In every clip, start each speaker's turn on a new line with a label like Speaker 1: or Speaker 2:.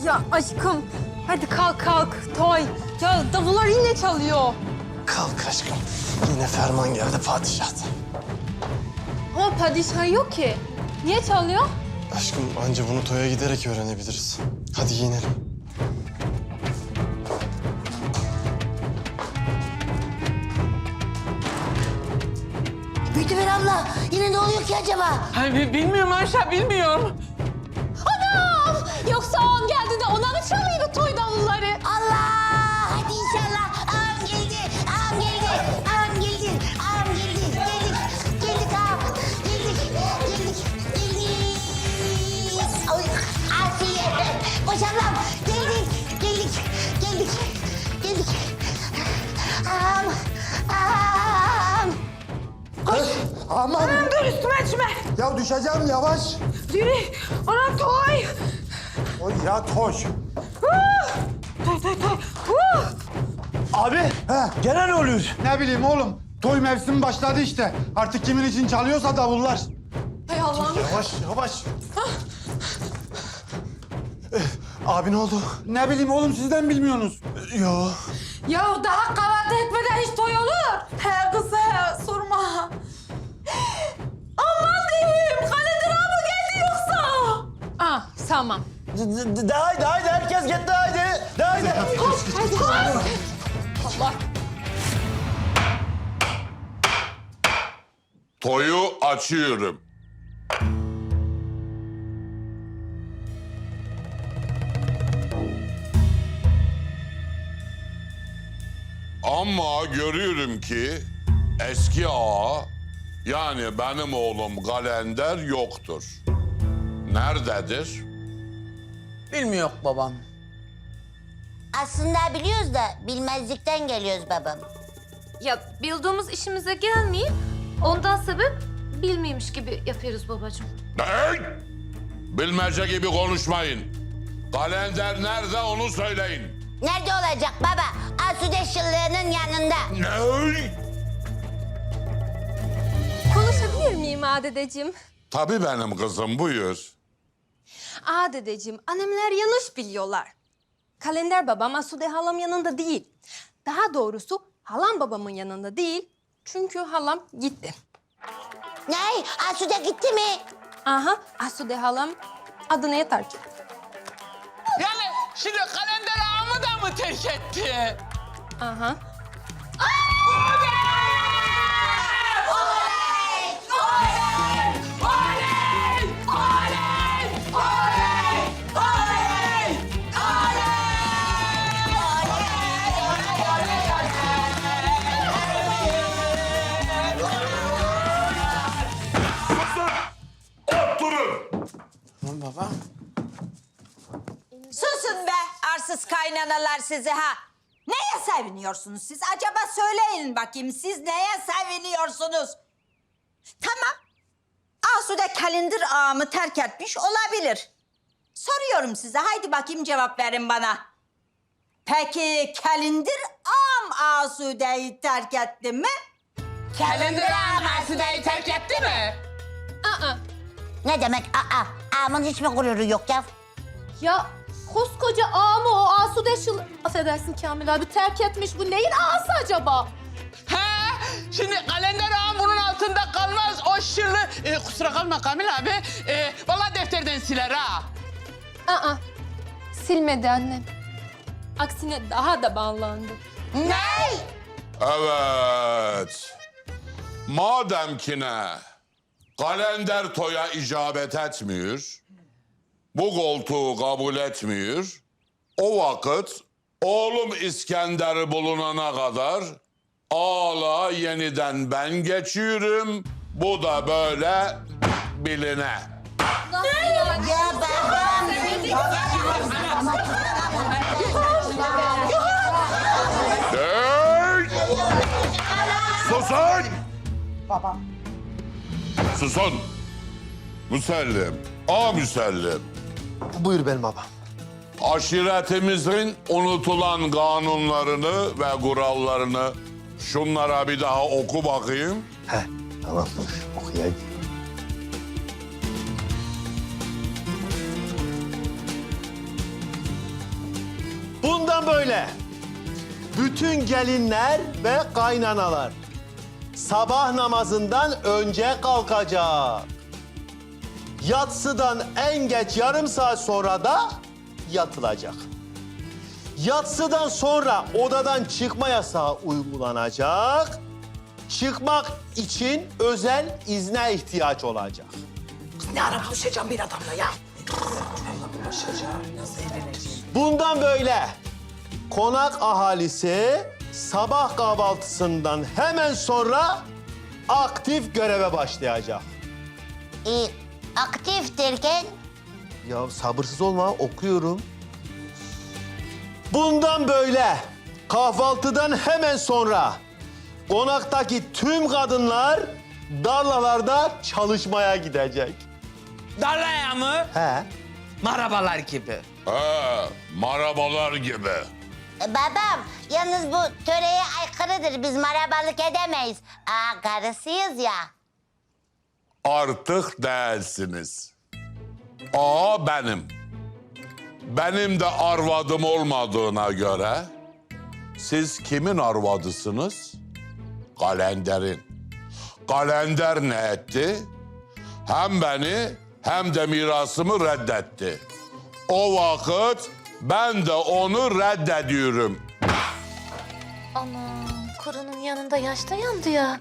Speaker 1: Ya aşkım, hadi kalk kalk Toy. Ya davullar yine çalıyor.
Speaker 2: Kalk aşkım. Yine ferman geldi padişah'tan.
Speaker 1: Ama padişah yok ki. Niye çalıyor?
Speaker 2: Aşkım anca bunu toya giderek öğrenebiliriz. Hadi giyinelim.
Speaker 3: Müdür abla yine ne oluyor ki acaba?
Speaker 4: Ay, bilmiyorum Ayşe, bilmiyorum.
Speaker 1: Anam! Yoksa ağam geldi de ona mı çalıyor bu toy davulları?
Speaker 3: Allah! Hadi inşallah. Ağam geldi. Ağam geldi. Ağam geldi. Ağam geldi. Geldik. Geldik ağam. Geldik. Geldik. Geldik. Ay, Asiye. Boş ablam. Geldik. Geldik. Geldik. Geldik. Ağam. Ağam.
Speaker 5: Kız, aman.
Speaker 1: Anam dur üstüme düşme.
Speaker 5: Ya düşeceğim yavaş.
Speaker 1: Yürü. Anam toy.
Speaker 5: Oy ya toş.
Speaker 1: Toy toy toy.
Speaker 5: Abi, gene ne oluyor? Ne bileyim oğlum. Toy mevsimi başladı işte. Artık kimin için çalıyorsa davullar.
Speaker 1: Hay Allah'ım.
Speaker 2: Yavaş yavaş. Abi ne oldu?
Speaker 5: Ne bileyim oğlum sizden bilmiyorsunuz.
Speaker 2: Yo.
Speaker 1: Ya daha kahvaltı etmeden hiç toy olur. He kız he, sorma. Aman diyeyim, Kaledir abi geldi yoksa. Ah, tamam.
Speaker 2: De haydi haydi herkes gitti haydi. De haydi.
Speaker 1: Allah.
Speaker 6: Toyu açıyorum. Ama görüyorum ki eski ağa, yani benim oğlum Kalender yoktur. Nerededir?
Speaker 4: Bilmiyor babam.
Speaker 3: Aslında biliyoruz da bilmezlikten geliyoruz babam.
Speaker 7: Ya bildiğimiz işimize gelmeyip ondan sebep bilmiyormuş gibi yapıyoruz babacığım.
Speaker 6: Hey! Bilmece gibi konuşmayın. Kalender nerede onu söyleyin.
Speaker 3: Nerede olacak baba? Asude Şıllı'nın yanında.
Speaker 6: Ne?
Speaker 1: Konuşabilir miyim Adedeciğim?
Speaker 6: Tabii benim kızım, buyur.
Speaker 1: Adedeciğim, annemler yanlış biliyorlar. Kalender babam Asude halam yanında değil. Daha doğrusu halam babamın yanında değil. Çünkü halam gitti.
Speaker 3: Ne? Asude gitti mi?
Speaker 1: Aha, Asude halam adını terk etti.
Speaker 4: Yani şimdi Kalender ağamı da mı terk etti?
Speaker 1: Aha.
Speaker 2: Tamam baba.
Speaker 8: Susun be arsız kaynanalar sizi ha. Neye seviniyorsunuz siz? Acaba söyleyin bakayım siz neye seviniyorsunuz? Tamam. Asude Kalender ağamı terk etmiş olabilir. Soruyorum size haydi bakayım cevap verin bana. Peki Kalender ağam Asude'yi terk etti mi?
Speaker 4: Kalender ağam Asude'yi terk etti mi?
Speaker 1: Aa.
Speaker 3: Ne demek? Ağamın hiç mi gururu yok ya?
Speaker 1: Ya koskoca ağamı o Asude affedersin Kamil abi terk etmiş. Bu neyin ağası acaba?
Speaker 4: He, şimdi Kalender ağam bunun altında kalmaz. O şırlı, kusura kalma Kamil abi. Vallahi defterden siler ha.
Speaker 1: Aa. Silmedi annem. Aksine daha da bağlandı.
Speaker 4: Ne?
Speaker 6: Evet. Madem ki ne, Kalender toya icabet etmiyor, bu koltuğu kabul etmiyor, o vakit oğlum İskender'i bulunana kadar ağla yeniden ben geçiyorum, bu da böyle biline.
Speaker 3: Ya babam.
Speaker 6: Hey! Susun! Babam. Susun! Müsellim, Müsellim.
Speaker 2: Buyur benim babam.
Speaker 6: Aşiretimizin unutulan kanunlarını ve kurallarını şunlara bir daha oku bakayım.
Speaker 2: He tamam okuyayım.
Speaker 9: Bundan böyle bütün gelinler ve kaynanalar sabah namazından önce kalkacak. Yatsıdan en geç yarım saat sonra da yatılacak. Yatsıdan sonra odadan çıkma yasağı uygulanacak. Çıkmak için özel izne ihtiyaç olacak.
Speaker 8: Ne ara buluşacağım bir adamla ya?
Speaker 9: Bundan böyle konak ahalisi sabah kahvaltısından hemen sonra aktif göreve başlayacak.
Speaker 3: Aktif derken?
Speaker 9: Ya sabırsız olma, okuyorum. Bundan böyle kahvaltıdan hemen sonra konaktaki tüm kadınlar tarlalarda çalışmaya gidecek.
Speaker 4: Darlaya mı?
Speaker 9: He.
Speaker 4: Marabalar gibi.
Speaker 6: Marabalar gibi.
Speaker 3: Babam, yalnız bu töreye aykırıdır. Biz marabalık edemeyiz. Karısıyız ya.
Speaker 6: Artık değilsiniz. Ağa benim. Benim de arvadım olmadığına göre siz kimin arvadısınız? Kalenderin. Kalender ne etti? Hem beni hem de mirasımı reddetti. O vakit ben de onu reddediyorum.
Speaker 7: Aman kurunun yanında yaşta yandı ya.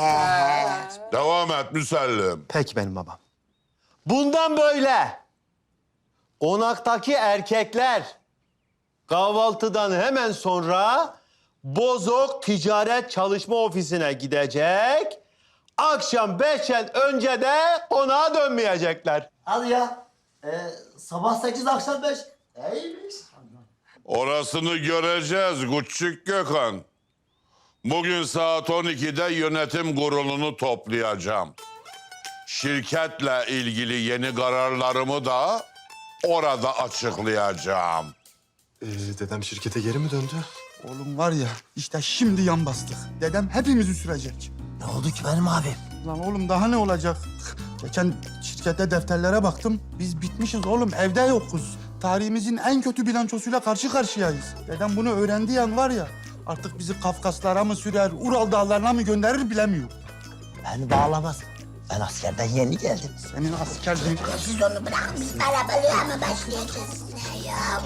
Speaker 6: Devam et Müsellim.
Speaker 9: Peki benim babam. Bundan böyle konaktaki erkekler kahvaltıdan hemen sonra Bozok Ticaret Çalışma Ofisi'ne gidecek. Akşam 5'ten önce de konağa dönmeyecekler.
Speaker 10: Hadi ya. Sabah 8, akşam 5. İyiymiş.
Speaker 6: Orasını göreceğiz Küçük Gökhan. Bugün saat 12'de yönetim kurulunu toplayacağım. Şirketle ilgili yeni kararlarımı da orada açıklayacağım.
Speaker 2: Dedem şirkete geri mi döndü?
Speaker 5: Oğlum var ya işte şimdi yan bastık. Dedem hepimizi sürecek.
Speaker 10: Ne oldu ki benim abim?
Speaker 5: Lan oğlum daha ne olacak? Geçen şirkette defterlere baktım. Biz bitmişiz oğlum, evde yokuz. Tarihimizin en kötü bilançosuyla karşı karşıyayız. Dedem bunu öğrendiği an var ya, artık bizi Kafkaslara mı sürer, Ural dağlarına mı gönderir bilemiyorum.
Speaker 10: Beni bağlamaz. Ben askerden yeni geldim.
Speaker 5: Senin askerliğin...
Speaker 3: Siz onu bırakın, biz arabalığa mı başlayacağız? Ya.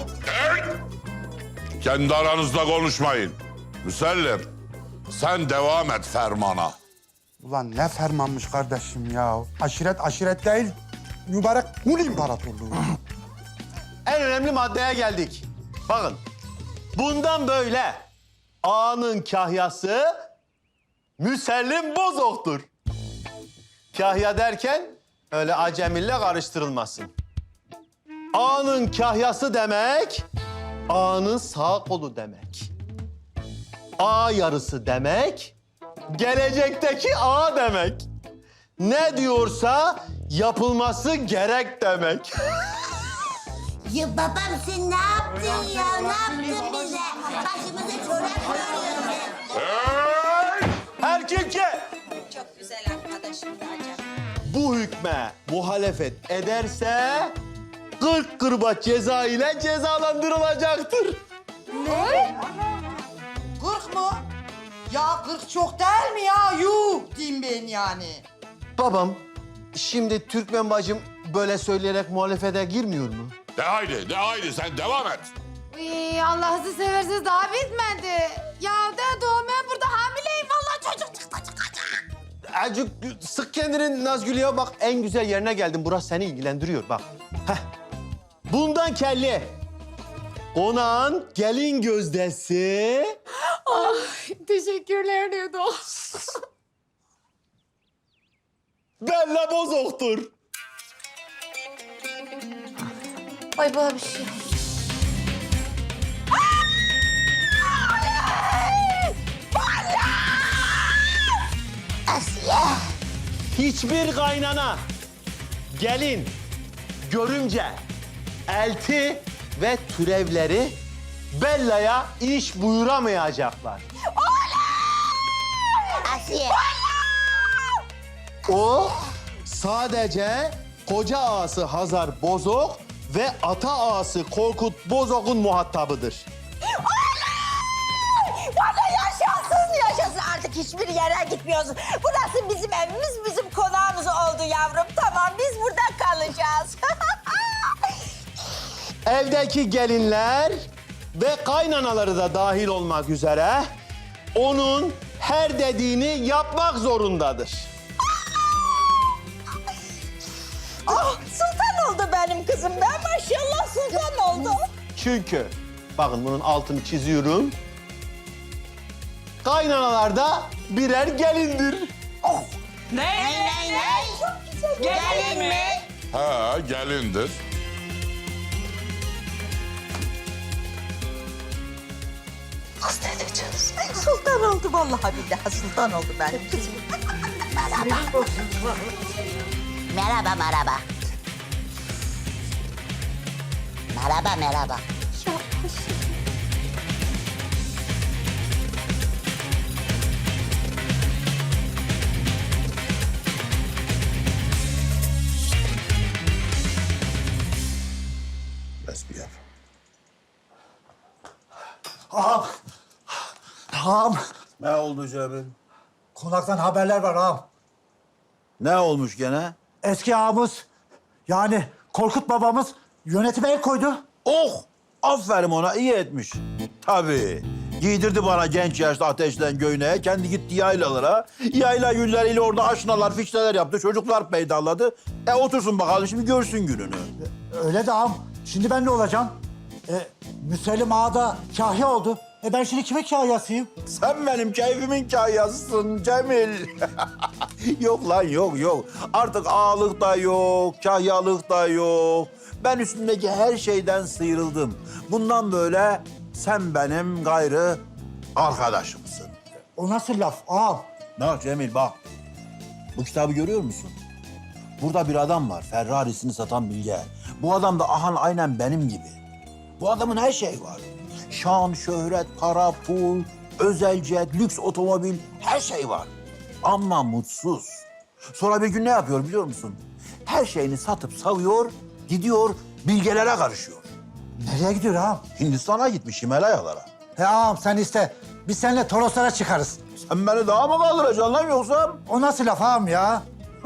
Speaker 6: Kendi aranızda konuşmayın. Müsellim, sen devam et fermana.
Speaker 5: Ulan ne fermanmış kardeşim ya. Aşiret aşiret değil, mübarek Hun İmparatorluğu.
Speaker 9: En önemli maddeye geldik. Bakın, bundan böyle ağanın kahyası Müsellim Bozok'tur. Kahya derken öyle acemille karıştırılmasın. Ağanın kahyası demek, ağanın sağ kolu demek. Ağa yarısı demek, gelecekteki ağa demek. Ne diyorsa yapılması gerek demek.
Speaker 3: Ya babam sen ne yaptın ya? Ne yaptın bize? Başımıza çorap örüyorsun.
Speaker 9: Her kim ki
Speaker 8: Çok güzel arkadaşım da acaba.
Speaker 9: bu hükme muhalefet ederse 40 kırbaç ceza ile cezalandırılacaktır.
Speaker 8: 40 mu? Ya 40 çok değil mi ya? Yuh diyeyim ben yani.
Speaker 9: Babam, şimdi Türkmen bacım böyle söyleyerek muhalefete girmiyor mu?
Speaker 6: De haydi sen devam et.
Speaker 1: Allah'ınızı seversiniz daha bitmedi. Ya de doğum ben burada hamileyim. Vallahi çocuk çıktı çıkacak.
Speaker 9: Azıcık sık kendini Nazgül ya, bak en güzel yerine geldin. Burası seni ilgilendiriyor bak. Heh. Bundan kelli. Konağın gelin gözdesi.
Speaker 1: Teşekkürler Nedo.
Speaker 9: Bella Bozok'tur.
Speaker 7: Ay bu bir şey.
Speaker 3: Asiye.
Speaker 9: Hiçbir kaynana, gelin, görümce, elti ve türevleri Bella'ya iş buyuramayacaklar.
Speaker 3: Asiye.
Speaker 9: O sadece koca ağası Hazar Bozok ve ata ağası Korkut Bozok'un muhatabıdır.
Speaker 8: hiçbir yere gitmiyoruz. Burası bizim evimiz, bizim konağımız oldu yavrum. Tamam, biz burada kalacağız.
Speaker 9: Evdeki gelinler ve kaynanaları da dahil olmak üzere onun her dediğini yapmak zorundadır.
Speaker 8: Oh, sultan oldu benim kızım. Ben maşallah sultan oldu.
Speaker 9: Çünkü bakın bunun altını çiziyorum. Kaynanalar da birer gelindir.
Speaker 8: Ne? Çok güzel. Gelin mi?
Speaker 6: He, gelindir.
Speaker 8: Kız ne edeceğiz? Sultan oldu vallahi billahi sultan oldu benim kızım.
Speaker 3: Merhaba merhaba. Merhaba merhaba.
Speaker 5: Ağam,
Speaker 11: Ne oldu Cemil?
Speaker 5: konaktan haberler var ağam.
Speaker 11: Ne olmuş gene?
Speaker 5: Eski ağamız, yani Korkut babamız yönetime el koydu.
Speaker 11: Oh! Aferin ona, iyi etmiş. Tabii. Giydirdi bana genç yaşta ateşten göğneğe, kendi gitti yaylalara. Yayla günleriyle orada aşınalar, fişneler yaptı, çocuklar peydahladı. Otursun bakalım şimdi görsün gününü.
Speaker 5: Öyle de ağam, şimdi ben ne olacağım? Müsellim ağa da kahya oldu. Ben şimdi kime kahyasıyım?
Speaker 11: Sen benim keyfimin kahyasısın Cemil. Yok lan yok. Artık ağalık da yok, kahyalık da yok. Ben üstümdeki her şeyden sıyrıldım. Bundan böyle sen benim gayrı arkadaşımsın.
Speaker 5: O nasıl laf ağam?
Speaker 11: Bak Cemil bak. Bu kitabı görüyor musun? Burada bir adam var, Ferrari'sini satan bilge. Bu adam da ahan aynen benim gibi. Bu adamın her şeyi var. Şan, şöhret, para, pul, özel jet, lüks otomobil, her şey var. Ama mutsuz. Sonra bir gün ne yapıyor biliyor musun? Her şeyini satıp savuyor, gidiyor bilgelere karışıyor.
Speaker 5: Nereye gidiyor ağam?
Speaker 11: Hindistan'a gitmiş, Himalayalara.
Speaker 5: Ağam sen iste. Biz seninle Toroslara çıkarız.
Speaker 11: Sen beni daha mı kaldıracaksın lan yoksa?
Speaker 5: O nasıl laf ağam ya?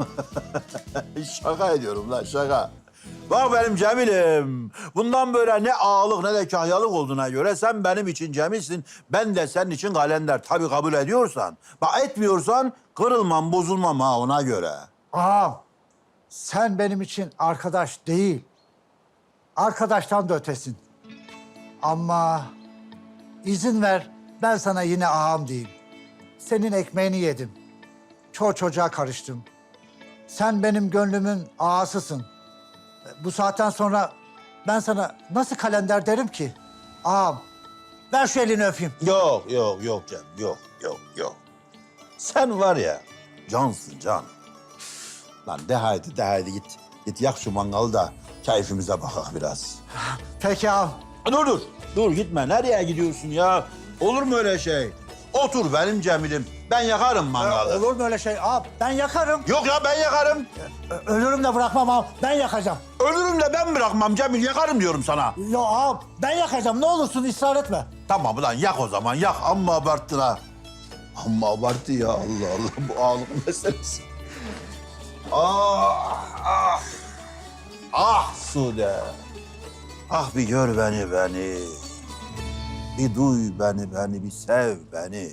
Speaker 11: Şaka ediyorum lan şaka. Bak benim Cemil'im. Bundan böyle ne ağalık ne de kahyalık olduğuna göre sen benim için Cemil'sin. Ben de senin için kalender. Tabii kabul ediyorsan. Bak etmiyorsan kırılmam, bozulmam ha ona göre.
Speaker 5: Ağam sen benim için arkadaş değil. Arkadaştan da ötesin. Ama izin ver ben sana yine ağam diyeyim. Senin ekmeğini yedim. Çocuğa karıştım. Sen benim gönlümün ağasısın. Bu saatten sonra ben sana nasıl kalender derim ki? Ağam, ver şu elini öpeyim.
Speaker 11: Yok Cem, yok. Sen var ya, cansın can. Lan de haydi git. Git yak şu mangalı da keyfimize bakak biraz.
Speaker 5: Peki ağam.
Speaker 11: Dur gitme. Nereye gidiyorsun ya? Olur mu öyle şey? Otur benim Cemil'im. Ben yakarım mangalı.
Speaker 5: Olur mu öyle şey ağam? Ben yakarım.
Speaker 11: Yok ya ben yakarım.
Speaker 5: Ölürüm de bırakmam ağam. Ben yakacağım.
Speaker 11: Ölürüm de ben bırakmam Cemil. Yakarım diyorum sana.
Speaker 5: Yok ağam, ben yakacağım. Ne olursun ısrar etme.
Speaker 11: Tamam lan yak o zaman. Yak. Amma abarttın ha. Amma abarttı ya. Allah Allah. Bu ağlık meselesi. Ah Sude. Ah bir gör beni. Bir duy beni, bir sev beni.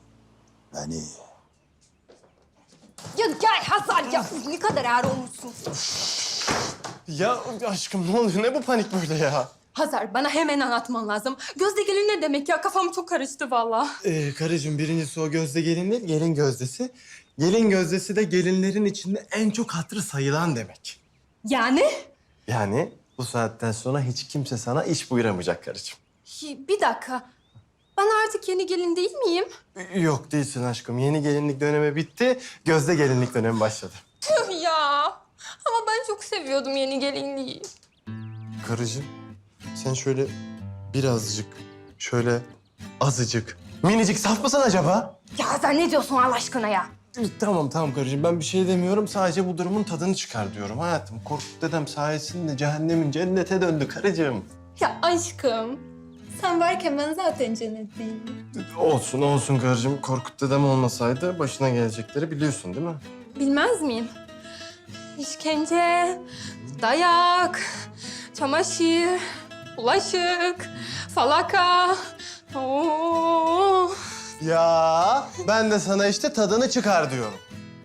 Speaker 1: Ya gel Hazar ya. Ne kadar ağır olmuşsun.
Speaker 2: Ya aşkım ne oluyor? Ne bu panik böyle ya?
Speaker 1: Hazar bana hemen anlatman lazım. Gözde gelin ne demek ya? Kafam çok karıştı vallahi.
Speaker 2: Karıcığım birincisi o gözde gelin değil, gelin gözdesi. Gelin gözdesi de gelinlerin içinde en çok hatırı sayılan demek.
Speaker 1: Yani?
Speaker 2: Yani bu saatten sonra hiç kimse sana iş buyuramayacak karıcığım.
Speaker 1: Bir dakika. Ben artık yeni gelin değil miyim?
Speaker 2: Yok değilsin aşkım. Yeni gelinlik dönemi bitti, gözde gelinlik dönemi başladı.
Speaker 1: Tüh ya. Ama ben çok seviyordum yeni gelinliği.
Speaker 2: Karıcığım, sen şöyle birazcık, şöyle azıcık, minicik saf mısın acaba?
Speaker 1: Ya Hazar ne diyorsun Allah aşkına ya?
Speaker 2: Tamam karıcığım. Ben bir şey demiyorum. Sadece bu durumun tadını çıkar diyorum hayatım. Korkut dedem sayesinde cehennemin cennete döndü karıcığım.
Speaker 1: Ya aşkım. Sen varken ben zaten cennetteyim.
Speaker 2: Olsun olsun karıcığım. Korkut dedem olmasaydı başına gelecekleri biliyorsun değil mi?
Speaker 1: Bilmez miyim? İşkence, dayak, çamaşır, bulaşık, falaka. Oo.
Speaker 2: Ya ben de sana işte tadını çıkar diyorum.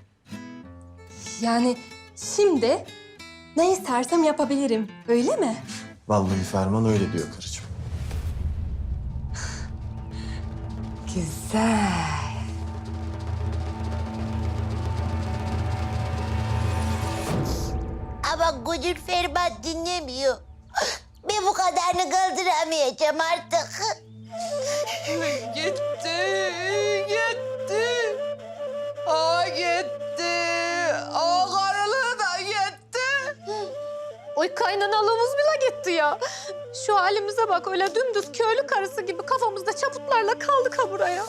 Speaker 1: Yani şimdi ne istersem yapabilirim. Öyle mi?
Speaker 2: Vallahi Ferman öyle diyor karıcığım.
Speaker 1: Güzel.
Speaker 3: Ama Gönül Ferman dinlemiyor. Ben bu kadarını kaldıramayacağım artık.
Speaker 4: Gitti, gitti. Aa gitti. Aa karılığı da gitti.
Speaker 7: Oy kaynanalığımız bile gitti ya. Şu halimize bak öyle dümdüz köylü karısı gibi kafamızda çaputlarla kaldık ha buraya.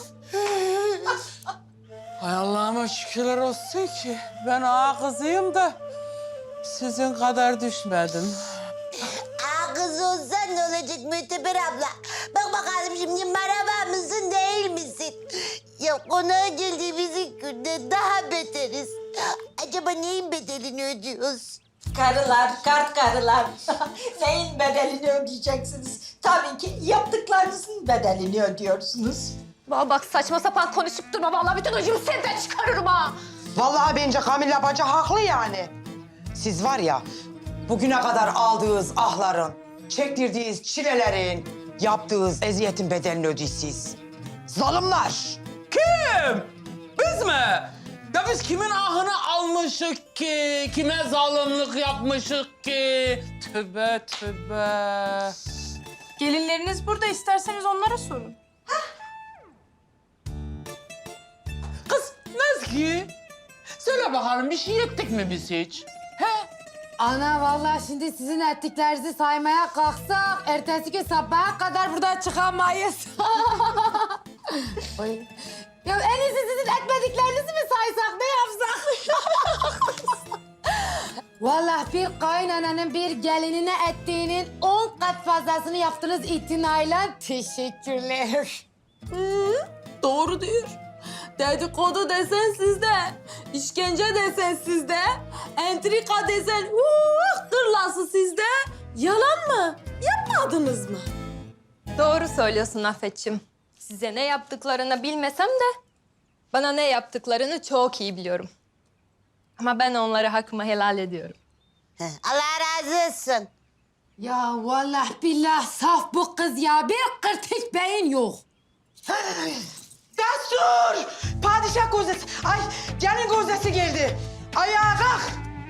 Speaker 4: Hay Allah'ıma şükürler olsun ki ben ağa kızıyım da sizin kadar düşmedim.
Speaker 3: Aa kız olsan ne olacak Müteber abla? Bak bakalım şimdi maraba mısın değil misin? Ya konağa geldiğimizin günde daha beteriz. Acaba neyin bedelini ödüyoruz?
Speaker 8: Karılar, kart karılar. Neyin bedelini ödeyeceksiniz? Tabii ki yaptıklarınızın bedelini ödüyorsunuz.
Speaker 7: Bak saçma sapan konuşup durma. Vallahi bütün ucumu senden çıkarırım ha.
Speaker 12: Vallahi bence Kamilla bacı haklı yani. Siz var ya, bugüne kadar aldığınız ahların, çektirdiğiniz çilelerin, yaptığınız eziyetin bedelini ödeysiz. Zalimler!
Speaker 4: Kim? Biz mi? Ya biz kimin ahını almışık ki? Kime zalimlik yapmışık ki? Tövbe tövbe.
Speaker 1: Gelinleriniz burada. İsterseniz onlara sorun.
Speaker 4: Kız Nezgi, söyle bakalım bir şey ettik mi biz hiç? He?
Speaker 13: Ana vallahi şimdi sizin ettiklerinizi saymaya kalksak ertesi gün sabaha kadar buradan çıkamayız. Oy. Ya en iyisi sizin etmediklerinizi mi saysak ne yapsak? Vallahi bir kaynananın bir gelinine ettiğinin 10 kat fazlasını yaptığınız itinayla teşekkürler.
Speaker 1: Doğru diyor. Dedikodu desen sizde, işkence desen sizde, entrika desen kırlası sizde. Yalan mı? Yapmadınız mı? Doğru söylüyorsun Afetçim. Size ne yaptıklarını bilmesem de bana ne yaptıklarını çok iyi biliyorum. Ama ben onları hakkımı helal ediyorum.
Speaker 3: Allah razı olsun.
Speaker 13: Ya vallahi billah saf bu kız ya. Bir kırtık beyin yok.
Speaker 12: Destur! Padişah gözdesi. Ay gelin gözdesi geldi. Ayağa kalk.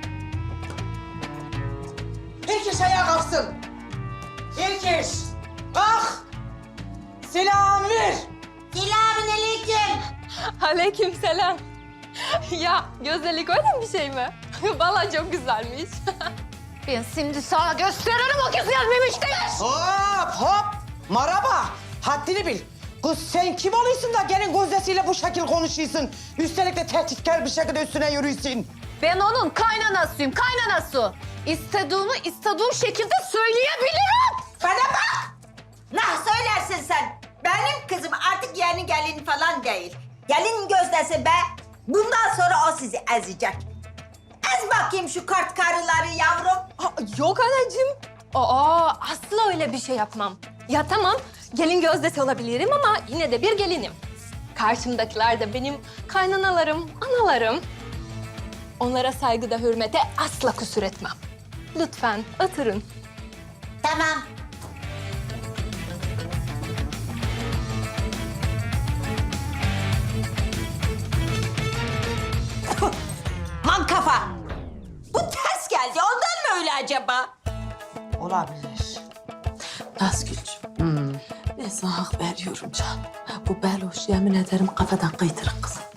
Speaker 12: Herkes ayağa kalksın. Herkes. Kalk. Selam ver.
Speaker 3: Selamünaleyküm.
Speaker 1: Aleykümselam. Ya güzellik öyle bir şey mi? Vallahi çok güzelmiş.
Speaker 7: Ben şimdi sana gösteririm o kız yazmamış değil.
Speaker 12: Hop hop. Maraba. Haddini bil. Kız sen kim oluyorsun da gelin gözdesiyle bu şekil konuşuyorsun? Üstelik de tehditkar bir şekilde üstüne yürüyorsun.
Speaker 7: Ben onun kaynanasıyım, kaynanası. İstediğimi istediğim şekilde söyleyebilirim.
Speaker 8: Bana bak! Nah söylersin sen. Benim kızım artık yeni gelin falan değil. Gelin gözdesi be. Bundan sonra o sizi ezecek. Ez bakayım şu kart karıları yavrum.
Speaker 1: Yok anacığım. Asla öyle bir şey yapmam. Ya tamam, gelin gözdesi olabilirim ama yine de bir gelinim. Karşımdakiler de benim kaynanalarım, analarım. Onlara saygıda, hürmete asla kusur etmem. Lütfen oturun.
Speaker 3: Tamam.
Speaker 8: Man kafa. Bu ters geldi. Ondan mı öyle acaba?
Speaker 12: Olabilir.
Speaker 13: Nazgül'cüğüm. Ben sana hak veriyorum canım. Bu beloş yemin ederim kafadan kıytırık kızım.